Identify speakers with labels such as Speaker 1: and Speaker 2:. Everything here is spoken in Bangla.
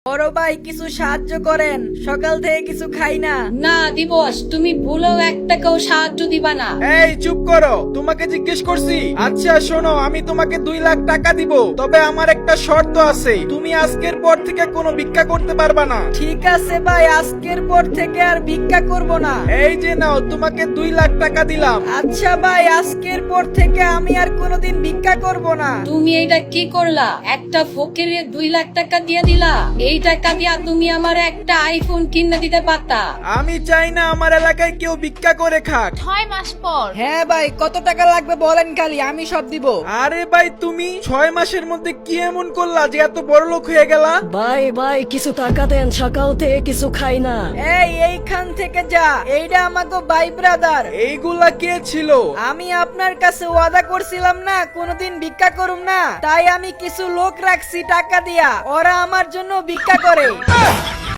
Speaker 1: বড় ভাই কিছু সাহায্য করেন, সকাল থেকে কিছু খাই না।
Speaker 2: না দিবস, তুমি ভুলেও এক টাকাও সাহায্য দিবা না।
Speaker 3: এই চুপ করো, তোমাকে জিজ্ঞেস করছি। আচ্ছা শোনো, আমি তোমাকে 2 লাখ টাকা দিব, তবে আমার একটা শর্ত আছে, তুমি আজকের পর থেকে কোনো ভিক্ষা করতে পারবা না।
Speaker 1: ঠিক আছে ভাই, আজকের পর থেকে আর ভিক্ষা করব না।
Speaker 3: এই যে নাও, তোমাকে 2 লাখ টাকা দিলাম।
Speaker 1: আচ্ছা ভাই, আজকের পর থেকে আমি আর কোনোদিন ভিক্ষা করব না।
Speaker 2: তুমি এইটা কি করলা? একটা ফকিরে 2 লাখ টাকা দিয়ে দিলা। এই টাকা দিয়া তুমি আমার একটা আইফোন কিনে দিতে পারতা।
Speaker 3: আমি চাই না আমার এলাকায় কেউ ভিক্ষা করে খাক।
Speaker 4: 6 মাস পর।
Speaker 1: হ্যাঁ ভাই, কত টাকা লাগবে বলেন, খালি আমি সব দিব।
Speaker 3: আরে ভাই, তুমি 6 মাসের মধ্যে কি এমন করলা যে এত বড় লোক হয়ে গেলা?
Speaker 5: ভাই ভাই কিছু টাকা দেন, সকাল থেকে কিছু খাই না।
Speaker 1: এইখান থেকে যা, এইটা আমাকে ভাই ব্রাদার।
Speaker 3: এইগুলা কে ছিল?
Speaker 1: আমি আপনার কাছে ওয়াদা করছিলাম না কোনোদিন ভিক্ষা করুম না, তাই আমি কিছু লোক রাখছি টাকা দিয়া, ওরা আমার জন্য ভিক্ষা করে।